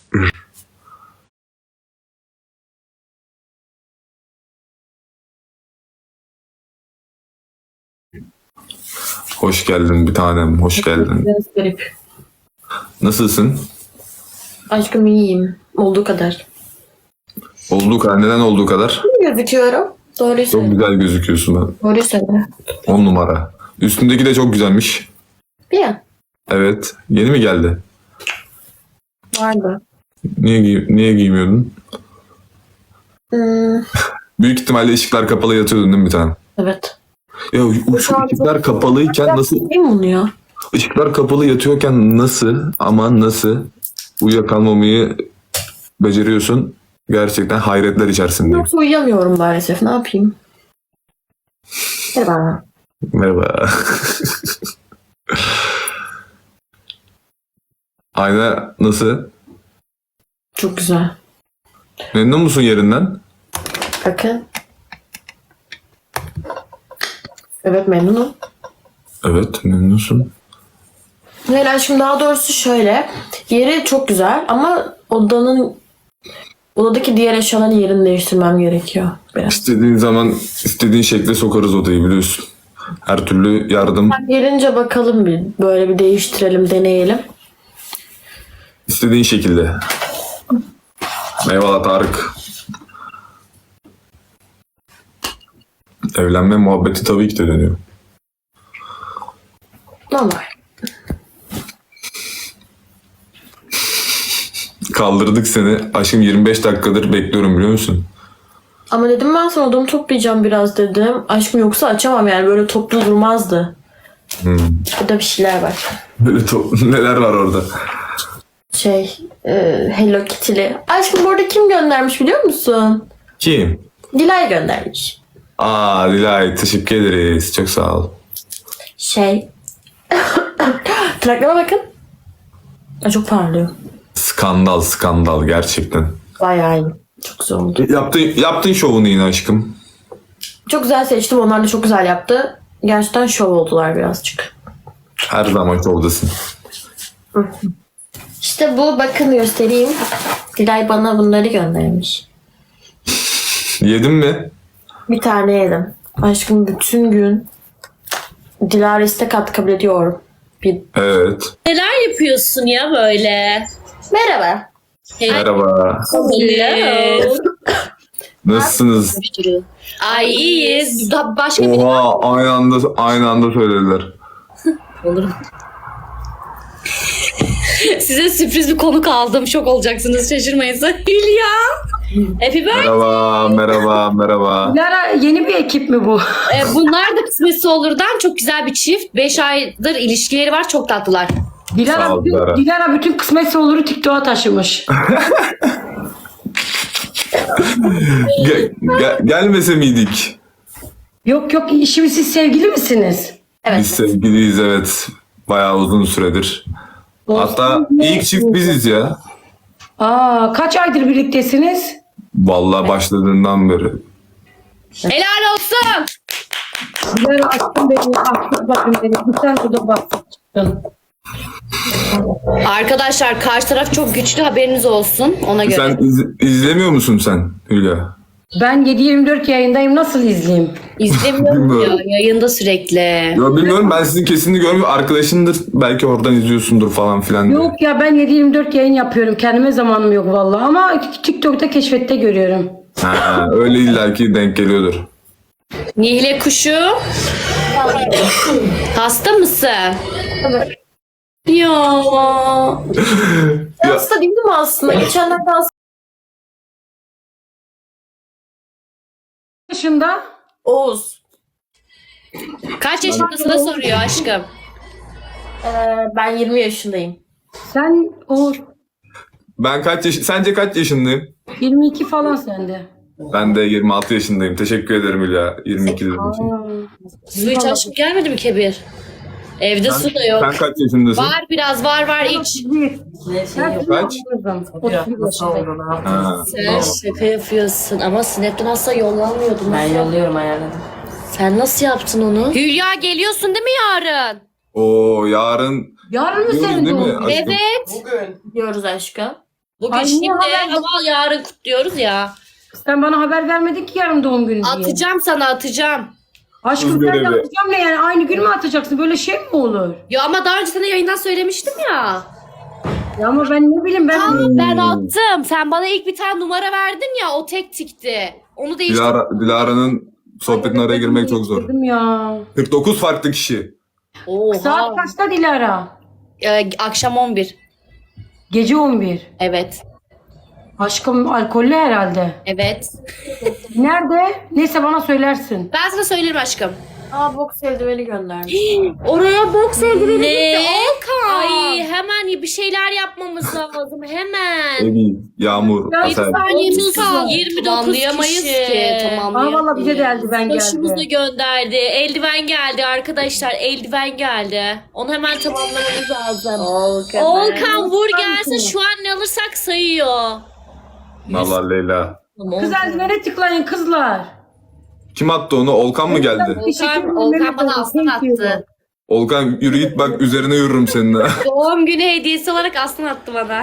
Hoş geldin bir tanem, hoş geldin. Biraz garip. Nasılsın? Aşkım iyiyim. Olduğu kadar. Olduğu kadar, neden olduğu kadar? İyi gözüküyorum. Doğruyu Çok söyle. güzel gözüküyorsun ben. Doğruyu söyle. 10 numara. Üstündeki de çok güzelmiş. Bir an. Evet. Yeni mi geldi? Vardı. Niye giymiyordun? Hmm, Büyük ihtimalle ışıklar kapalı yatıyordun değil mi bir tane? evet. Ya şu ışıklar kapalıyken nasıl, Değil mi bunu ya? ışıklar kapalı yatıyorken nasıl uyuyakalmamayı beceriyorsun? Gerçekten hayretler içerisindeyim. Yoksa uyuyamıyorum maalesef. Ne yapayım? Merhaba. Merhaba. Ayna nasıl? Çok güzel. Memnun musun yerinden? Bakın. Evet memnunum. Evet, memnunsun. Hayır aşkım daha doğrusu şöyle. Yeri çok güzel ama odadaki diğer eşyaların yerini değiştirmem gerekiyor biraz. İstediğin zaman istediğin şekle sokarız odayı biliyorsun. Her türlü yardım Gelince bakalım bir böyle bir değiştirelim, deneyelim. istediğin şekilde. Eyvallah Tarık. Evlenme muhabbeti tabii ki de dönüyor. Normal. Kaldırdık seni. Aşkım 25 dakikadır bekliyorum biliyor musun? Ama dedim ben sana odamı toplayacağım biraz dedim. Aşkım yoksa açamam yani böyle toplu durmazdı. Burada bir şeyler var. Böyle neler var orada? Hello Kitty'li. Aşkım burada kim göndermiş biliyor musun? Kim? Dilay göndermiş. Aa Dilay teşekkür ederiz. Çok sağ ol. Tırnaklarıma bakın. Ay, çok parlıyor. Skandal gerçekten. Bayağı iyi. Çok güzel oldu. Yaptın şovunu yine aşkım. Çok güzel seçtim. Onlar da çok güzel yaptı. Gerçekten şov oldular birazcık. Her zaman şovdasın. İşte bu bakın göstereyim. Dilay bana bunları göndermiş. Yedin mi? Bir tane yedim. Aşkım bütün gün Dilara istek at kabul ediyorum. Evet. Neler yapıyorsun ya böyle? Merhaba. Merhaba. Hello. Nasılsınız? Ay iyiyiz. Daha başka bir Oha aynı anda söylediler. olurum. Size sürpriz bir konuk aldım. Şok olacaksınız. Şaşırmayın. Hülya. Happy birthday. Merhaba. Dilara yeni bir ekip mi bu? Bunlar da kısmetse olurdan çok güzel bir çift. 5 aydır ilişkileri var. Çok tatlılar. Sağ ol, Dilara. Dilara bütün kısmetse oluru TikTok'a taşımış. Gelmese miydik? Yok şimdi siz sevgili misiniz? Evet. Biz sevgiliyiz evet. Bayağı uzun süredir. Hatta ilk çift biziz ya. Kaç aydır birliktesiniz? Vallahi başladığından beri. Helal olsun. Dilara aşkım beni, aşkım bakın beni. Sen burada basıp çıktın. Arkadaşlar karşı taraf çok güçlü. Haberiniz olsun. Ona göre. Sen izlemiyor musun sen Hülya? Ben 7/24 yayındayım, nasıl izleyeyim? İzlemiyorum ya. Yayında sürekli. Ya bilmiyorum ben sizin kesinlikle görmüyorum. Arkadaşındır belki oradan izliyorsundur falan filan. diye. Yok ya, ben 7/24 yayın yapıyorum. Kendime zamanım yok vallahi, ama TikTok'ta keşfette görüyorum. Ha, öyle illaki denk geliyordur. Nihle kuşu. Hasta mısın? Evet. Ya. Hasta değil mi aslında? Geçenlerde hasta. Yaşında Oğuz. Kaç yaşındasın da soruyor aşkım. Ben 20 yaşındayım. sen o Sence kaç yaşındayım? 22 falan sende. Ben de 26 yaşındayım. Teşekkür ederim Hülya. 22 dediğin için. Su hiç aşkım gelmedi mi Kebir? Evde su da yok. Sen kaç yaşındasın? Var biraz var iç. Kaç? 31 yaşındayım. Ha. Sen şaka yapıyorsun ama Snap'ten asla yollanmıyordun. Ben yolluyorum ayarladım. Sen nasıl yaptın onu? Hülya geliyorsun değil mi yarın? Oo yarın Yarın mı diyoruz senin değil mi doğum günün? aşkım? Evet. Bugün diyoruz aşkım. Bugün Ay, niye şimdi haber ama yarın kutluyoruz ya. Sen bana haber vermedin ki yarın doğum günü diye. Atacağım sana atacağım. Aşkım Kız sen de görevi. atacağım ne yani? Aynı gün mü atacaksın? Böyle şey mi olur? Ya ama daha önce sana yayından söylemiştim ya. Ya ama ben ne bileyim ben... Ben attım. Sen bana ilk bir tane numara verdin ya, o tek tikti. Onu değiştirdim. Dilara'nın sohbetine araya girmek çok zor. Dedim ya. 49 farklı kişi. Oha. Saat kaçta Dilara? Akşam 11. Gece 11. Evet. Aşkım alkollü herhalde. Evet. Nerede? Neyse bana söylersin. Ben sana söylerim aşkım. Aa boks eldiveni göndermiş. Oraya boks eldiveni gitti. Ay hemen bir şeyler yapmamız lazım. Hemen. Evi, Yağmur, Ya, Asel. Saniyemiz 30 kaldı. 29 Tamamlayamayız kişi. ki, Aa valla bize de eldiven Başımıza geldi. gönderdi. Eldiven geldi arkadaşlar. Eldiven geldi. Onu hemen tamamlamamız lazım. Volkan vur gelsin. Şu an ne alırsak sayıyor. Nallah Leyla. Kız eldivene tıklayın kızlar. Kim attı onu? Olkan mı geldi? Volkan bana aslan attı. Olkan yürü git bak üzerine yürürüm seninle. Doğum günü hediyesi olarak aslan attı bana.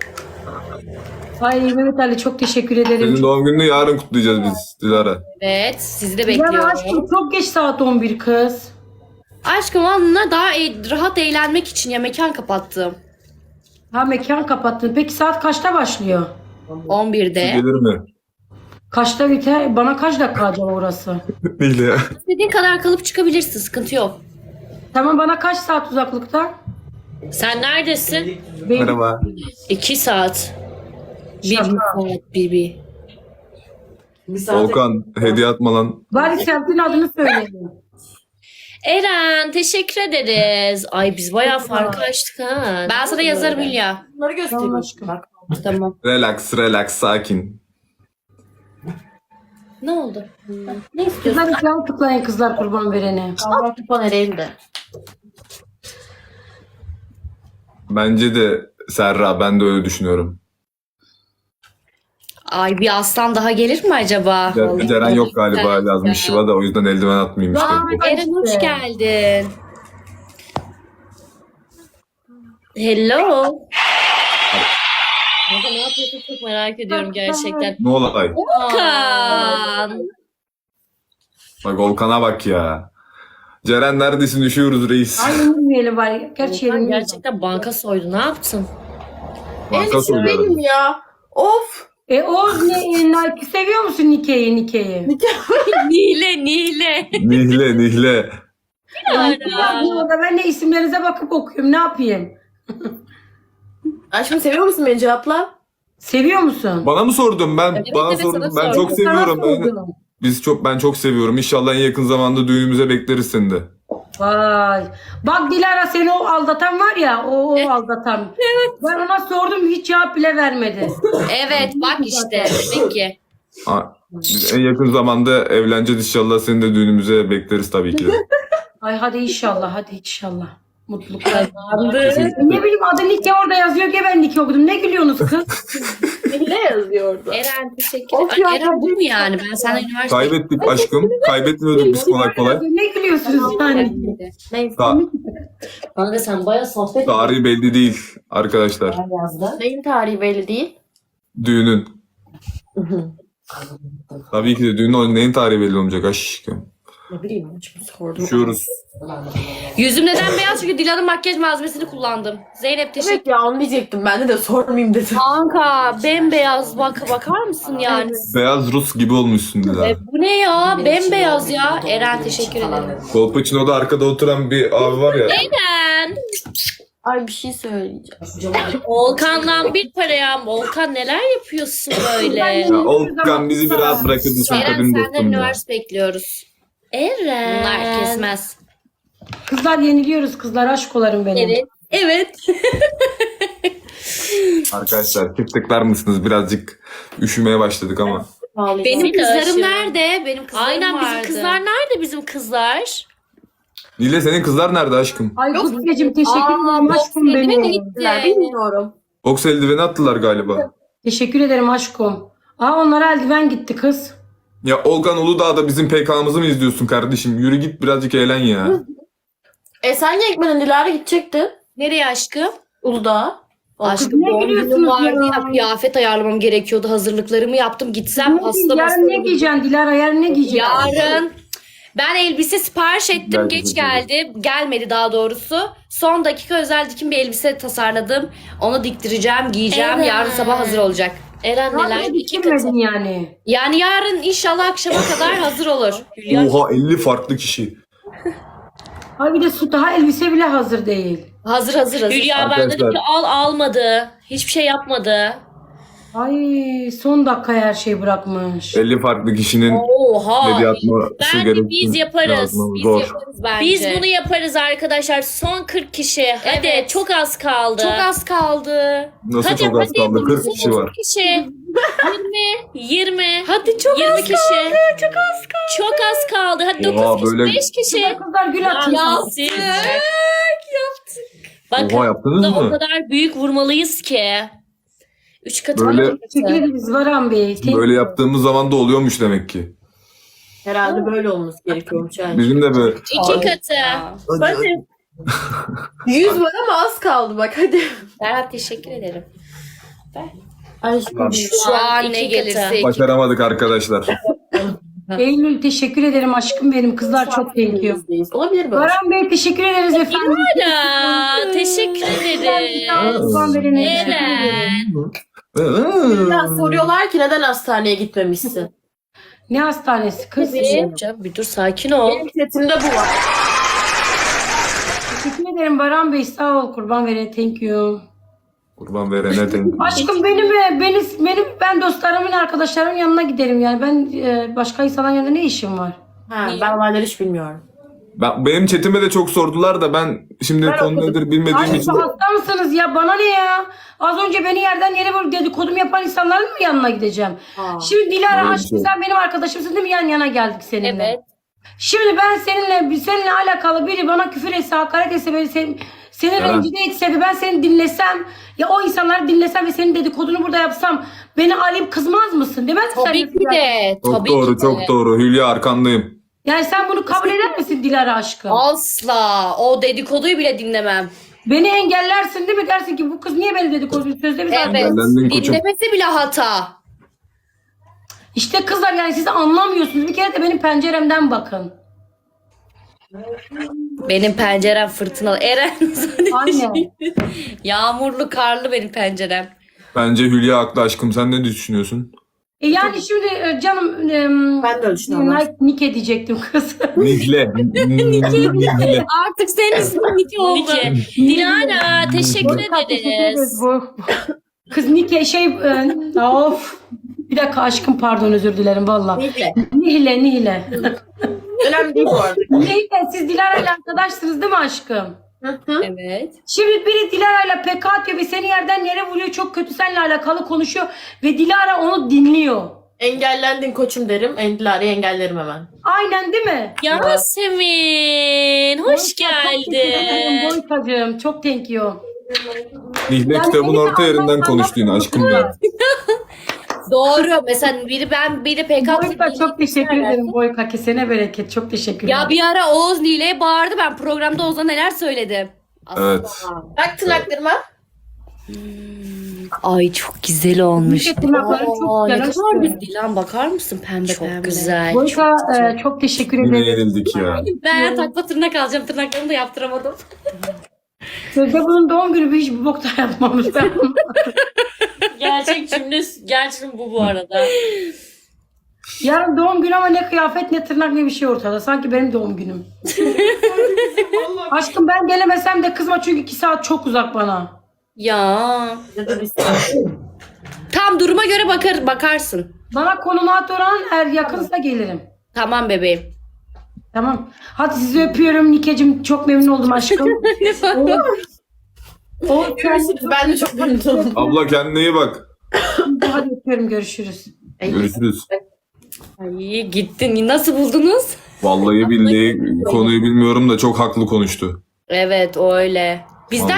Ay Mehmet Ali çok teşekkür ederim. Senin doğum gününü yarın kutlayacağız biz Dilara. Evet, sizi de Ya bekliyorum. aşkım çok geç saat 11 kız. Aşkım onunla daha rahat eğlenmek için ya mekan kapattım. Ha mekan kapattın. Peki saat kaçta başlıyor? 11'de. Gelir mi? Kaçta biter? Bana kaç dakika acaba orası? Değil ya. İstediğin kadar kalıp çıkabilirsin, sıkıntı yok. Tamam bana kaç saat uzaklıkta? Sen neredesin? Benim Merhaba. 2 saat. 1 Şaka. saat bir. Olkan hediye atma lan. Bari semtin adını söyleyin. Eren teşekkür ederiz. Ay biz bayağı farkı açtık ha. Ben sana yazarım Hülya. Bunları göstereyim Tamam aşkım. Tamam. Relax, sakin. Ne oldu? Ne istiyorsun? Kızlar ekran tıklayın kızlar kurban verene. Allah kupa nereydi? Bence de Serra, ben de öyle düşünüyorum. Ay bir aslan daha gelir mi acaba? Ceren yok galiba, yazmış Şiva da, o yüzden eldiven atmayayım işte. Eren hoş geldin. Hello. Kanka ne yapıyorsun çok merak ediyorum gerçekten. Ne olay? Volkan. Bak Olkan'a bak ya. Ceren neredesin, üşüyoruz reis. Ay yemeyelim bari. Gerçi Volkan yerim gerçekten banka soydu. Ne yaptın? Banka soruyorum. Benim ya. Of. Oğuz Nike seviyor musun Nike'yi? Nile, Nile. Nihle. Orada ben de isimlerinize bakıp okuyorum. Ne yapayım? Aşkım seviyor musun beni, cevapla? Seviyor musun? Bana mı sordun? Ben Evet, bana evet, sordun. sana Ben sordum. çok seviyorum. Sana sordum. Ben çok seviyorum. İnşallah en yakın zamanda düğünümüze bekleriz seni de. Vay. Bak Dilara seni o aldatan var ya o aldatan. Evet. Ben ona sordum hiç cevap bile vermedi. Evet bak işte. Demek ki. Biz en yakın zamanda evleneceğiz inşallah, seni de düğünümüze bekleriz tabii ki de. Ay hadi inşallah. Mutluluklar. Kesinlikle. Ne bileyim adı Nike orada yazıyor ki ben Nike okudum. Ne gülüyorsunuz kız? Ne yazıyor orada? Eren teşekkür Of ederim. ya, Ay, Eren bu mu yani? Ben senden üniversite... Kaybettik aşkım. Kaybetmiyorduk biz kolay kolay. Ne gülüyorsunuz yani? Neyse. Kanka sen bayağı sohbet Tarihi belli değil arkadaşlar. yazdın. Neyin tarihi belli değil. Düğünün. Tabii ki de düğünün neyin tarihi belli olmayacak aşkım. Ne bileyim, hiç sordum. Düşüyoruz. Yüzüm neden beyaz? Çünkü Dilan'ın makyaj malzemesini kullandım. Zeynep teşekkür Evet ya, onu diyecektim. Ben de sormayayım dedim. Kanka bembeyaz bakar mısın yani? Beyaz Rus gibi olmuşsun Dilara. Bu ne ya? Bembeyaz ya. Eren teşekkür ederim. Kolpaçino'da arkada oturan bir abi var ya. Eren. Ay bir şey söyleyeceğim. Volkan'dan bir paraya. Volkan neler yapıyorsun böyle? Ya Olkan bizi bir rahat bırakır mısın Eren kadın senden dostum ya. üniversite bekliyoruz. Eren. Bunlar kesmez. Kızlar yeniliyoruz kızlar aşk olarım benim. Evet. Evet. Arkadaşlar tıklar mısınız? Birazcık üşümeye başladık ama. Benim kızlarım aşığım. nerede? Benim kızlarım Aynen, vardı. bizim Bizim kızlar nerede bizim kızlar? Nile senin kızlar nerede aşkım? Ay Kuzeyciğim teşekkür ederim boks aşkım eldiveni benim. gitti. Bilmiyorum. Boks eldiveni attılar galiba. Teşekkür ederim aşkım. Aa onlara eldiven gitti kız. Ya Olkan Uludağ'da bizim PK'mızı mı izliyorsun kardeşim? Yürü git birazcık eğlen ya. Sen niye gitmedin? Dilara gidecekti. Nereye aşkım? Uludağ. Aşkım ne doğum günüm gülüyorsunuz vardı ya? ya. Kıyafet ayarlamam gerekiyordu. Hazırlıklarımı yaptım. Gitsem hasta Yarın ne giyeceksin Dilara? Yarın ne giyeceksin? Yarın ben elbise sipariş ettim. Belki Geç de. geldi. Gelmedi daha doğrusu. Son dakika özel dikim bir elbise tasarladım. Onu diktireceğim, giyeceğim. Evet. Yarın sabah hazır olacak. Eren neler? Hala İki katı. dikilmedin yani. Yani yarın inşallah akşama kadar hazır olur. Hülya Oha 50 farklı kişi. Ay bir de su daha elbise bile hazır değil. hazır. Hülya ben Arkadaşlar. dedim ki almadı. Hiçbir şey yapmadı. Ay son dakika her şeyi bırakmış. 50 farklı kişinin Oha. hediye atması Bence gerektiğini biz yaparız. yazmamız Biz zor. yaparız bence. Biz bunu yaparız arkadaşlar. Son 40 kişi. Hadi Evet. çok az kaldı. Çok az kaldı. Nasıl Hadi, çok az hadi. kaldı? 40 kişi var. 40 kişi. 20. Hadi çok 20 az kişi. Kaldı. Çok az kaldı. Çok az kaldı. Hadi Oha, 9 kişi. böyle- 5 kişi. Kızlar gül atın. Ya siz. Bakın Oha, yaptınız da o mı? kadar büyük vurmalıyız ki. 3 katı. Böyle- Teşekkür ederiz Varan Bey. Böyle yaptığımız zaman da oluyormuş demek ki. Herhalde böyle olması gerekiyormuş yani. Bizim de böyle 2 katı. Hadi. 100 var ama az kaldı bak hadi. Serhat teşekkür ederim. Aşkım Şu an ne gelirse. başaramadık arkadaşlar. Eylül teşekkür ederim aşkım benim. Kızlar çok thank Olabilir böyle. Varan Bey teşekkür ederiz efendim. Lara, teşekkür ederim. Kurban verene teşekkür ederim. Eren. Ya soruyorlar ki neden hastaneye gitmemişsin? Ne hastanesi kız? Bir dur sakin ol. Benim setimde bu var. Teşekkür ederim Baran Bey sağ ol kurban verene thank you. Kurban verene denk. Aşkım ben dostlarımın arkadaşlarımın yanına giderim yani ben başka insanların yanında ne işim var? Ha, ben olayları hiç bilmiyorum. Benim chatime de çok sordular da ben şimdi Ben konu okudum. nedir bilmediğim Aşkım için. hasta mısınız ya bana ne ya? Az önce beni yerden yere vurup dedikodum yapan insanların mı yanına gideceğim? Ha. Şimdi Dilara Öyle bir aşkım şey. sen benim arkadaşımsın değil mi? Yan yana geldik seninle. Evet. Şimdi ben seninle alakalı biri bana küfür etse, hakaret etse, böyle seni Evet. rencide etse ve ben seni dinlesem ya o insanları dinlesem ve senin dedikodunu burada yapsam beni arayıp kızmaz mısın? Demez misin? Tabii ki de. Çok Tabii doğru ki de. çok doğru. Hülya arkandayım. Yani sen bunu kabul eder misin Dilara aşkım? Asla. O dedikoduyu bile dinlemem. Beni engellersin değil mi? Dersin ki bu kız niye beni dedikodu sözde biz Evet. Engellendin koçum. Dinlemesi bile hata. İşte kızlar yani siz anlamıyorsunuz. Bir kere de benim penceremden bakın. Benim pencerem fırtınalı. Eren. Aynen. Yağmurlu, karlı benim pencerem. Bence Hülya haklı aşkım. Sen ne düşünüyorsun? Yani şimdi canım Ben de öyle düşünüyorum. Nike diyecektim kız. Nihle. Nihle. Artık senin ismin Nike oldu. Dilara teşekkür ederiz. Bu. Kız Nike of. Bir dakika aşkım pardon özür dilerim valla. Neyse. Nihle. Önemli değil bu arada. Nihle siz Dilara ile arkadaşsınız değil mi aşkım? Evet. Şimdi biri Dilara ile PK atıyor ve seni yerden yere vuruyor. Çok kötü seninle alakalı konuşuyor. Ve Dilara onu dinliyor. Engellendin koçum derim. Dilara'yı engellerim hemen. Aynen değil mi? Yasemin hoş geldin. Boykacığım çok thank you. Nihle Yani kitabın seninle orta yerinden konuştu yine aşkım benim. Doğru. Mesela biri PK Boyka çok teşekkür ederim Boyka. Kesene bereket. Çok teşekkür ederim. Ya bir ara Oğuz Nile'ye bağırdı. Ben programda Oğuz'a neler söyledim. Evet. Bak tırnaklarıma. Ay çok güzel olmuş. Nihle tırnakları çok Ne güzel. kadar güzel. Dilan bakar mısın pembe çok pembe. Güzel. Boyka çok teşekkür Yine ederim. yenildik ya. Ben takma tırnak alacağım. Tırnaklarımı da yaptıramadım. Sözde bunun doğum günü bir hiç bir bok da yapmamış. Ben Gerçek cümle gerçekten bu arada. yarın doğum günü ama ne kıyafet ne tırnak ne bir şey ortada. Sanki benim doğum günüm. Aşkım ben gelemesem de kızma çünkü 2 saat çok uzak bana. Ya. Tam duruma göre bakarsın. Bana konunu at oran eğer yakınsa gelirim. Tamam bebeğim. Tamam. Hadi sizi öpüyorum Nikeciğim. Çok memnun oldum aşkım. Görüşürüz. Ben de çok memnun oldum. Abla kendine iyi bak. Hadi öpüyorum görüşürüz. Görüşürüz. Ay gittin. Nasıl buldunuz? Vallahi billahi konuyu bilmiyorum da çok haklı konuştu. Evet öyle. Bizden